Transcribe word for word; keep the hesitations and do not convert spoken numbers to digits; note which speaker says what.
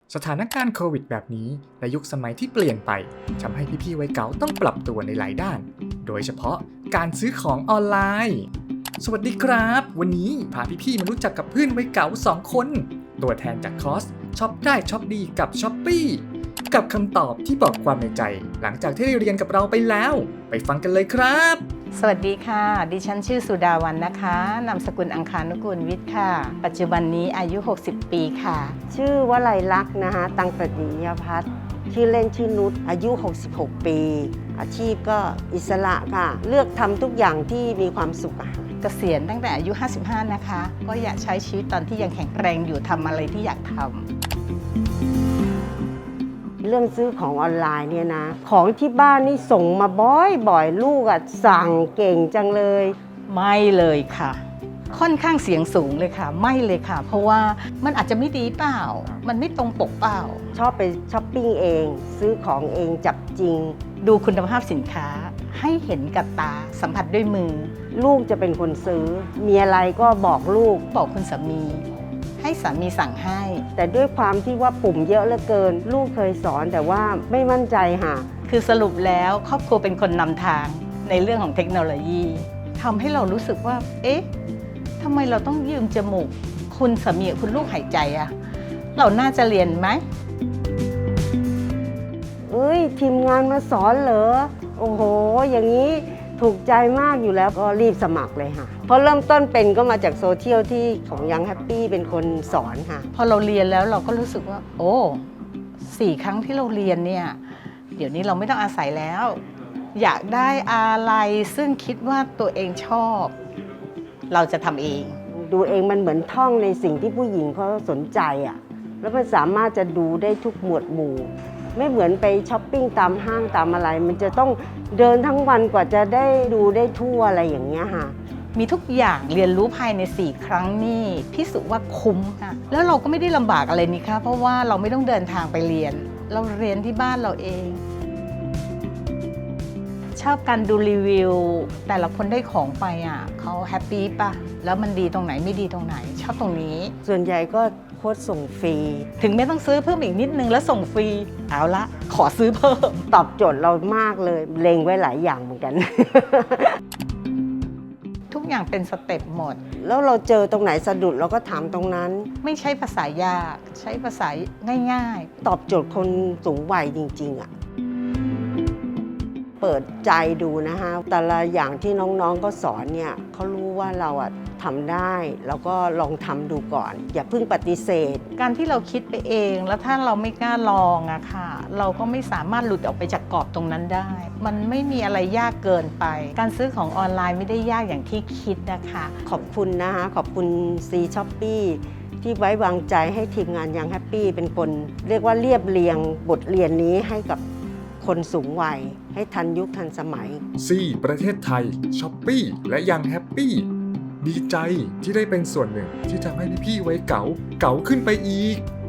Speaker 1: สถานการณ์โควิดแบบนี้และยุคสมัยที่เปลี่ยนไปทำให้พี่ๆวัยเก๋าต้องปรับตัวในหลายด้าน โดยเฉพาะการซื้อของออนไลน์ สวัสดีครับ วันนี้พาพี่ๆมารู้จักกับเพื่อนวัยเก๋าสองคน ตัวแทนจากคอร์สช็อปได้ช็อปดีกับ Shopee กับคำตอบที่บอกความในใจ หลังจากที่ได้เรียนกับเราไปแล้ว ไปฟังกันเลยครับ
Speaker 2: สวัสดีค่ะ ดิฉันชื่อสุดาวรรณนะคะ นามสกุลอังคานุกูลวิทย์ค่ะ ปัจจุบันนี้อายุ หกสิบ ปีค่ะ
Speaker 3: ชื่อวลัยลักษณ์นะคะตังประดิยพัฒน์ชื่อเล่นชื่อนุชอายุ หกสิบหก ปี อาชีพก็อิสระค่ะ เลือกทำทุกอย่างที่มีความสุขอะ
Speaker 2: เกษียณตั้งแต่อายุ ห้าสิบห้า นะคะ ก็อยากใช้ชีวิตตอนที่ยังแข็งแรงอยู่ทำอะไรที่อยากทำ
Speaker 3: เรื่องซื้อของออนไลน์เนี่ยนะ ของที่บ้านนี่ส่งมาบ่อยๆลูกอะสั่งเก่งจังเลย
Speaker 2: ไม่เลยค่ะ ค่อนข้างเสียงสูงเลยค่ะ ไม่เลยค่ะ เพราะว่ามันอาจจะไม่ดีเปล่า มันไม่ตรงปกเปล่า
Speaker 3: ชอบไปช้อปปิ้งเอง ซื้อของเองจับจริง
Speaker 2: ดูคุณภาพสินค้าให้เห็นกับตาสัมผัสด้วยมือ
Speaker 3: ลูกจะเป็นคนซื้อ มีอะไรก็บอกลูก
Speaker 2: บอกคุณสามี ให้สามีสั่งให้
Speaker 3: แต่ด้วยความที่ว่าปุ่มเยอะเหลือเกิน ลูกเคยสอนแต่ว่าไม่มั่นใจค่ะ
Speaker 2: คือสรุปแล้วครอบครัวเป็นคนนำทางในเรื่องของเทคโนโลยีทำให้เรารู้สึกว่า เอ๊ะทำไมเราต้องยืมจมูกคุณสามีกับคุณลูกหายใจอะเราน่าจะเรียนไหม
Speaker 3: เอ้ยทีมงานมาสอนเหรอ โอ้โห อย่างนี้ถูกใจมากอยู่แล้วก็รีบสมัครเลยค่ะ เพราะเริ่มต้นเป็นก็มาจากโซเชียลที่ของยังแฮปปี้เป็นคนสอนค่ะ
Speaker 2: พอเราเรียนแล้วเราก็รู้สึกว่า โอ้สี่ครั้งที่เราเรียนเนี่ยเดี๋ยวนี้เราไม่ต้องอาศัยแล้ว อยากได้อะไรซึ่งคิดว่าตัวเองชอบ เราจะทำเอง
Speaker 3: ดูเองมันเหมือนท่องในสิ่งที่ผู้หญิงเขาสนใจอ่ะ แล้วมันสามารถจะดูได้ทุกหมวดหมู่ ไม่เหมือนไปช้อปปิ้งตามห้างตามอะไร มันจะต้องเดินทั้งวันกว่าจะได้ดูได้ทั่วอะไรอย่างเงี้ยค่ะ
Speaker 2: มีทุกอย่างเรียนรู้ภายในสี่ครั้งนี่พิสูจน์ว่าคุ้มค่ะแล้วเราก็ไม่ได้ลำบากอะไรนี่คะเพราะว่าเราไม่ต้องเดินทางไปเรียน เราเรียนที่บ้านเราเอง ชอบการดูรีวิว แต่ละคนได้ของไปอ่ะเขาแฮปปี้ป่ะแล้วมันดีตรงไหนไม่ดีตรงไหน ชอบตรงนี้
Speaker 3: ส่วนใหญ่ก็โค้ดส่งฟรี
Speaker 2: ถึงไม่ต้องซื้อเพิ่มอีกนิดนึงแล้วส่งฟรีเอาละขอซื้อเพิ่ม
Speaker 3: ตอบโจทย์เรามากเลยเล็งไว้หลายอย่างเหมือนกัน
Speaker 2: ทุกอย่างเป็นสเต็ปหมด
Speaker 3: แล้วเราเจอตรงไหนสะดุดเราก็ถามตรงนั้น
Speaker 2: ไม่ใช้ภาษายากใช้ภาษาง่ายๆ
Speaker 3: ตอบโจทย์คนสูงวัยจริงๆอ่ะ เปิดใจดูนะคะแต่ละอย่างที่น้องๆก็สอนเนี่ยเขารู้ว่าเราอ่ะทำได้แล้วก็ลองทำดูก่อน อย่าเพิ่งปฏิเสธ
Speaker 2: การที่เราคิดไปเองแล้วถ้าเราไม่กล้าลองอะค่ะเราก็ไม่สามารถหลุดออกไปจากกรอบตรงนั้นได้ มันไม่มีอะไรยากเกินไป การซื้อของออนไลน์ไม่ได้ยากอย่างที่คิดนะคะ
Speaker 3: ขอบคุณนะคะขอบคุณซีช้อปปี้ที่ไว้วางใจให้ทีมงานยังแฮปปี้เป็นคน เรียกว่าเรียบเรียงบทเรียนนี้ให้กับคนสูงวัยให้ทันยุคทันสมัย
Speaker 1: ซีประเทศไทย Shopee และยังแฮปปี้ดีใจที่ได้เป็นส่วนหนึ่งที่ทำให้พี่ๆวัยเก๋าเก๋าขึ้นไปอีก